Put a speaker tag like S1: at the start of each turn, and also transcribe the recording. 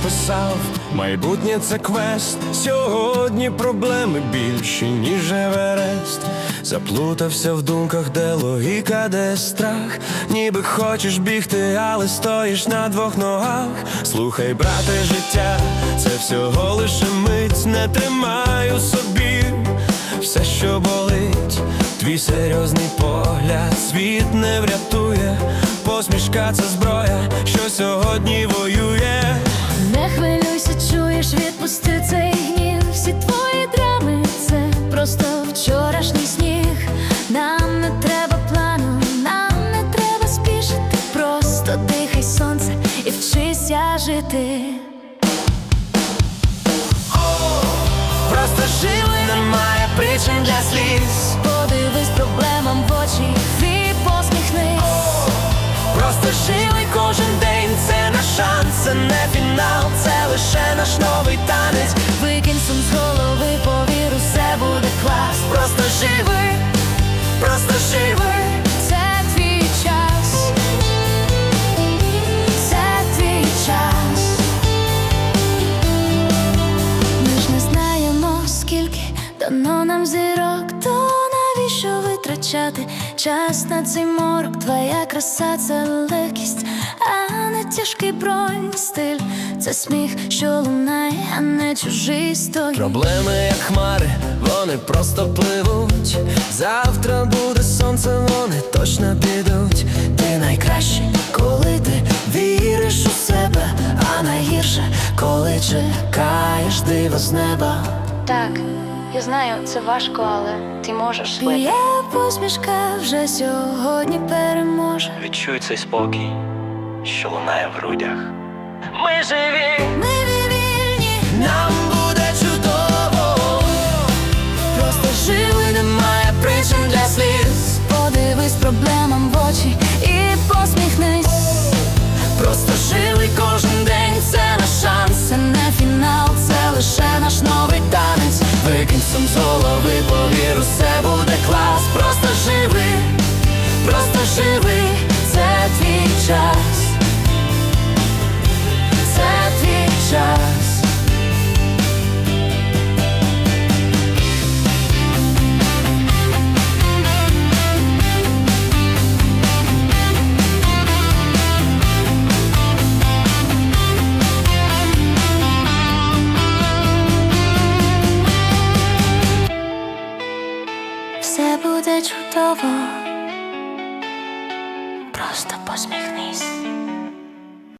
S1: написав, майбутнє це квест. Сьогодні проблеми більші, ніж Еверест. Заплутався в думках, де логіка, де страх. Ніби хочеш бігти, але стоїш на двох ногах. Слухай, брате, життя — це всього лише мить. Не тримай у собі все, що болить. Твій серйозний погляд світ не врятує. Посмішка — це зброя, що сьогодні воює.
S2: Не хвилюйся, чуєш, відпусти цей гнів. Всі твої драми — це просто вчорашній сніг. Нам не треба плану, нам не треба спішити. Просто дихай сонце і вчися жити.
S1: Просто живи, немає причин для сліз.
S2: Подивись проблемам в очі і посміхнись.
S1: Просто живи кожен день, це наш шанс, це не фінал, це лише наш новий танець.
S2: Викинь сум з голови, повір, усе буде клас.
S1: Просто живи, просто живи.
S2: Це твій час, це твій час. Ми ж не знаємо, скільки дано нам зірок, то навіщо витрачати час на цей морок? Твоя краса — це легкість, а не тяжкий бронь. Стиль — це сміх, що лунає, а не чужий стогін.
S1: Проблеми, як хмари, вони просто пливуть. Завтра буде сонце, вони точно підуть. Ти найкраще, коли ти віриш у себе, а найгірше, коли чекаєш диво з неба.
S2: Так, я знаю, це важко, але ти можеш. Твоя посмішка вже сьогодні переможе.
S3: Відчуй цей спокій, що лунає в грудях.
S1: Ми живі,
S2: Ми вільні,
S1: нам буде чудово.
S2: просто живи,
S1: Немає причин для сліз.
S2: подивись проблемам в очі і посміхнись.
S1: Просто живи кожен день, це наш шанс.
S2: Це не фінал, це лише наш новий танець.
S1: Викинь сум з голови, повір, усе буде клас. Просто живи, просто живи. Це твій час, це твій час.
S2: Все буде чудово, просто посміхнись.